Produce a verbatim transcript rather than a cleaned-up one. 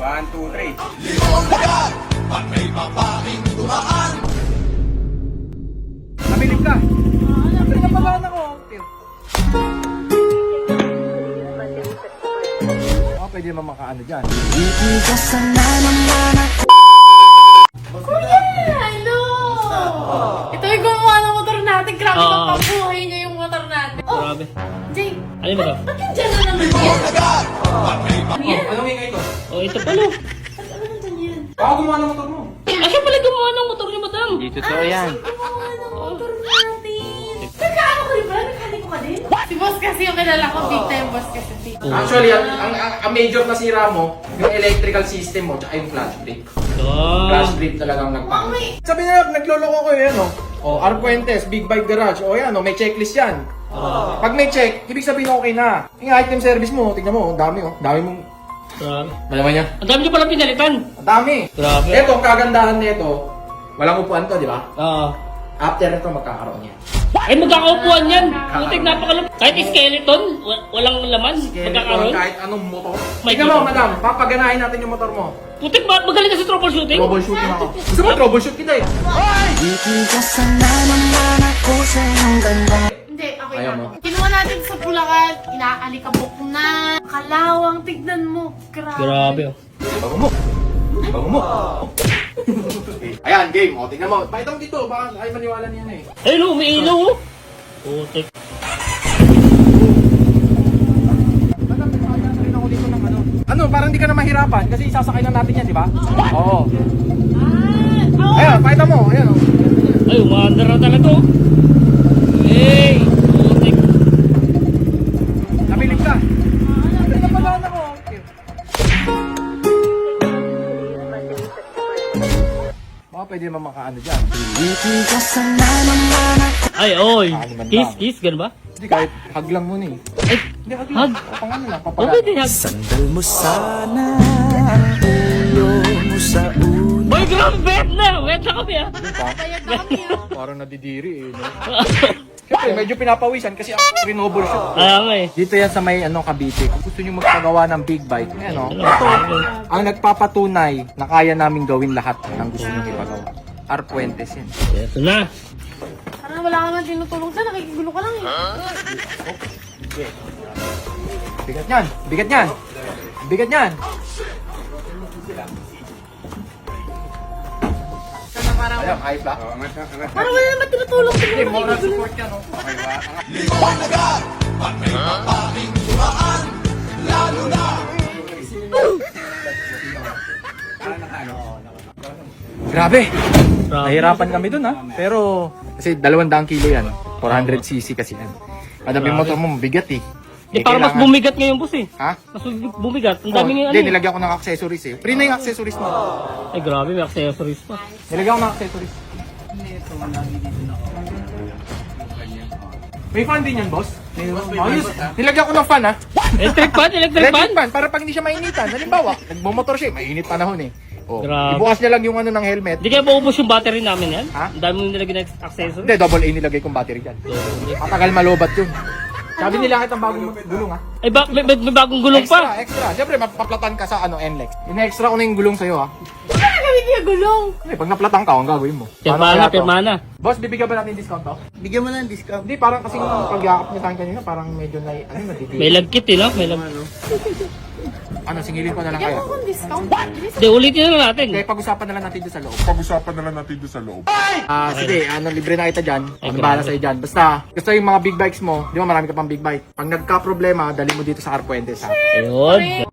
One, two, three. Limong dagat, at may babaeng dumaan. Nabilib ka. Nabilib ka pa ako. Baka pwede naman makaano dyan. Kuya! Hello! Ito yung gumawa ng motor natin. Grabe Oo. kang pabuhay niya yung motor natin. Oh, Grabe. Jay, Alin ba to? ba't yung dyan na naman yan? Dagat, at may Ano yan? Anong ingay ko? Oh, ito pala. Ba't ano nandyan yan? Baka gumawa ng motor mo. Ah, siya pala gumawa ng motor ni madam. Hindi totoo yan. Gumawa ng motor natin. Nagkaano ka rin ba? Nagkaniko ka din? Si boss kasi yung kilala ko. Big time boss kasi. Oh. Actually, ang, ang, ang, ang major na sira mo, yung electrical system mo, tsaka yung clutch brake. Oh. Clutch brake talagang nagpang. Mami! Sabi na, nagloloko ko yan, no? O, R. Fuentes, Big Bike Garage. O yan, no? May checklist yan. Pag may check, ibig sabihin okay na. Yung item service mo, tingnan mo, ang dami, oh. Dami mong... Grabe. Malaman niya? Ang dami niyo pala pinalitan. Ang dami. Grabe. Ito, ang kagandahan nito, walang upuan to, di ba? Oo. After nito, magkakaroon yan. Ay, magkakaupuan yan. Putik, napakalam. Kahit skeleton, wa- walang laman. Magkakaroon. Kahit anong motor. May Tingnan mo, kita. madam, papaganahin natin yung motor mo. Putik, ma- magaling ka sa troubleshooting. Troubleshooting ako. Gusto mo troubleshoot kita eh. Hindi, okay Ayaw na. mo? Kinuha natin sa Bulacan. Inaalikabok na. Kalawang, tignan mo. Grabe. Grabe, oh. Bago mo. Bago mo. Ayan, game. O, tingnan mo. Pakita mo dito. Baka ay maniwala niyan eh. Ayun, oh, may ilaw, oh. Putik. Madam, nakakita na rin ako dito ng ano. Ano, parang hindi ka na mahirapan kasi isasakay na natin yan, di ba? Oo. Ah! Oh! Ayan, pakita mo. Ayan, oh. Ay, umaandar na talaga, oh. Hey! Putik. Nabilib ka. Nabilib ka pala ako. Baka pwede naman makaano dyan. Ay, oy. Ah, liman Kiss, lang. kiss, ganun ba? Hindi, kahit hug lang muna eh. Ay, Hindi, hug lang. hug. O, pang ano lang, Oh, papagal. pwede hug. Sandal mo sana ang ulo mo sa ulo. Boy, grabe, wet na. Wet na kami, ah. Bayad na kami, ah. Parang nadidiri eh. No? Siyempre, medyo pinapawisan kasi ako renewable siya. Kaya nga, eh. Dito yan sa may ano, Cavite. Kung gusto nyo magpagawa ng big bike, ano, Ano, ito ano? ang nagpapatunay na kaya namin gawin lahat ng gusto nyo ipagawa. R. Fuentes yan. Ito na. Parang wala ka man tinutulong sa nakikigulo ka lang, eh. Bigat yan! Bigat yan! Bigat yan! Ayan, ayos ba? Parang wala naman tinutulong sa Hindi, moral support yan, no? Limong dagat, at may babaeng dumaan. Lalo na Grabe! Grabe. Nahirapan kami dun, ha? Pero, kasi dalawang daang kilo yan. four hundred cc kasi yan. Madami yung motor mo, mabigat eh. Di, Eh, parang mas kailangan- bumigat ngayon, boss, eh. Ha? Mas bumigat. Ang Oh, dami ngayon, Hindi, ano, eh. nilagyan ko ng accessories eh. Free na yung accessories mo. Ay, grabe, may accessories pa. Nilagyan ko ng accessories. May fan din yan, boss? Ayos. Nilagyan ko ng fan, ha? Electric fan, electric fan. Electric fan, para pag hindi siya mainitan. Halimbawa, nagmumotor siya, eh, mainit panahon eh. Oh, Grabe. ibukas niya lang yung ano ng helmet. Di kaya maubos yung battery namin yan? Ha? Ang dami mong nilagyan ng accessories. Hindi, double A nilagay kong battery dyan. Matagal malobat yun. Sabi nila kahit ang bagong gulong, ha? Ay, ba, may, may, may bagong gulong Extra, pa. extra. Siyempre, mapaplatan ka sa ano, N L E X. In-extra ko na yung gulong sa'yo, ha? Wala na kami niya gulong. Eh, pag naplatan ka, ang gagawin mo. Paano Pirmana, kaya to? pirmana. Boss, bibigyan ba natin discount to? Bigyan mo ng discount. Hindi, parang kasi yung pagyakap niya sa akin kanina, parang medyo na, ano, nadidiri. May lagkit, eh, no? May lag... Ano, singilin ko na lang Bigyan kayo. mo akong discount. Bilis. Di, ulitin na lang natin. Okay, pag-usapan na lang natin doon sa loob. Pag-usapan na lang natin doon sa loob. Ah, sige, ano, libre na kita dyan. Ay, Ano grabe. bahala sa'yo dyan. Basta, gusto yung mga big bikes mo, di ba marami ka pang big bike. Pag nagka-problema, dali mo dito sa R. Fuentes, ha? Ayun,